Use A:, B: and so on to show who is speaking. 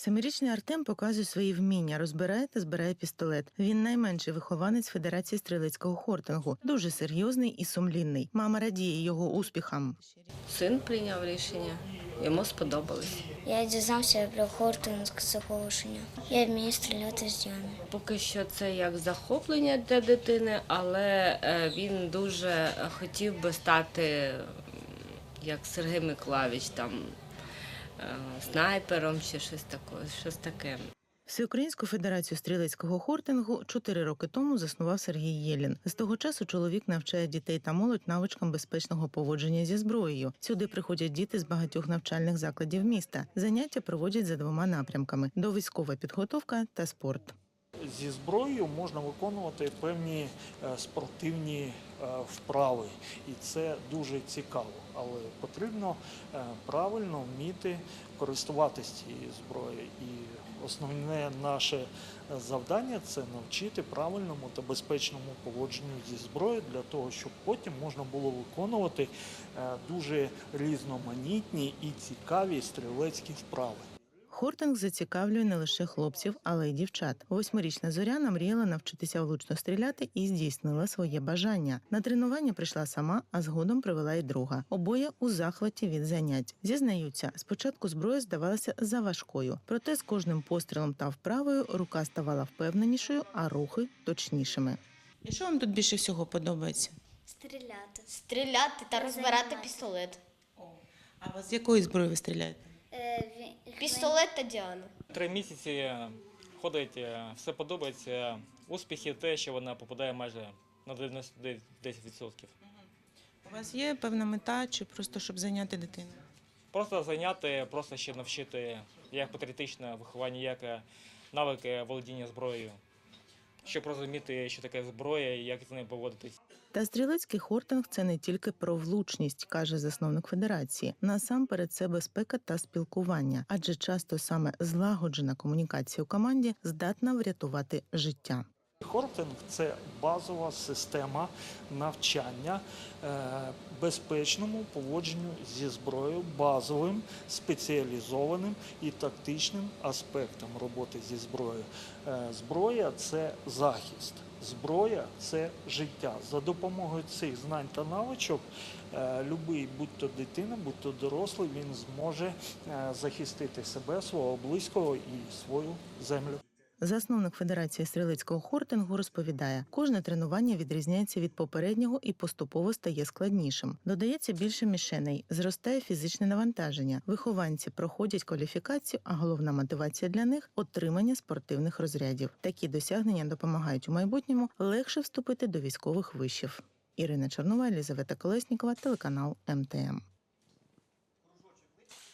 A: Семирічний Артем показує свої вміння, розбирає та збирає пістолет. Він найменший вихованець Федерації стрілецького хортингу. Дуже серйозний і сумлінний. Мама радіє його успіхам.
B: Син прийняв рішення, йому сподобалось.
C: Я дізнався про хортинг з оголошення. Я вмію стріляти з ями.
B: Поки що це як захоплення для дитини, але він дуже хотів би стати, як Сергій Миколайович, там, снайпером чи щось таке.
A: Всеукраїнську федерацію стрілецького хортингу 4 роки тому заснував Сергій Єлін. З того часу чоловік навчає дітей та молодь навичкам безпечного поводження зі зброєю. Сюди приходять діти з багатьох навчальних закладів міста. Заняття проводять за 2 напрямками – довійськова підготовка та спорт.
D: Зі зброєю можна виконувати певні спортивні вправи, і це дуже цікаво, але потрібно правильно вміти користуватися цією зброєю. І основне наше завдання – це навчити правильному та безпечному поводженню зі зброєю, для того, щоб потім можна було виконувати дуже різноманітні і цікаві стрілецькі вправи.
A: Хортинг зацікавлює не лише хлопців, але й дівчат. 8-річна Зоряна мріяла навчитися влучно стріляти і здійснила своє бажання. На тренування прийшла сама, а згодом привела й друга. Обоє у захваті від занять. Зізнаються, спочатку зброя здавалася заважкою. Проте з кожним пострілом та вправою рука ставала впевненішою, а рухи – точнішими. І що вам тут більше всього подобається?
C: Стріляти.
E: Стріляти та розбирати пістолет.
A: А з якої зброї ви стріляєте?
E: Пістолет та Діана.
F: 3 місяці ходить, все подобається. Успіхи те, що вона попадає майже на 10%.
A: У вас є певна мета чи просто щоб зайняти дитину?
F: Просто зайняти, просто ще навчити як патріотичне виховання, як навики володіння зброєю, щоб розуміти, що таке зброя і як з нею поводитись.
A: Та стрілецький хортинг – це не тільки про влучність, каже засновник федерації. Насамперед це безпека та спілкування, адже часто саме злагоджена комунікація у команді здатна врятувати життя.
D: Хортинг – це базова система навчання безпечному поводженню зі зброєю, базовим, спеціалізованим і тактичним аспектом роботи зі зброєю. Зброя – це захист, зброя – це життя. За допомогою цих знань та навичок любий, будь-то дитина, будь-то дорослий, він зможе захистити себе, свого близького і свою землю.
A: Засновник Федерації стрілецького хортингу розповідає, кожне тренування відрізняється від попереднього і поступово стає складнішим. Додається більше мішеней, зростає фізичне навантаження. Вихованці проходять кваліфікацію, а головна мотивація для них – отримання спортивних розрядів. Такі досягнення допомагають у майбутньому легше вступити до військових вишів. Ірина Чорнова, Елізавета Колеснікова, телеканал МТМ.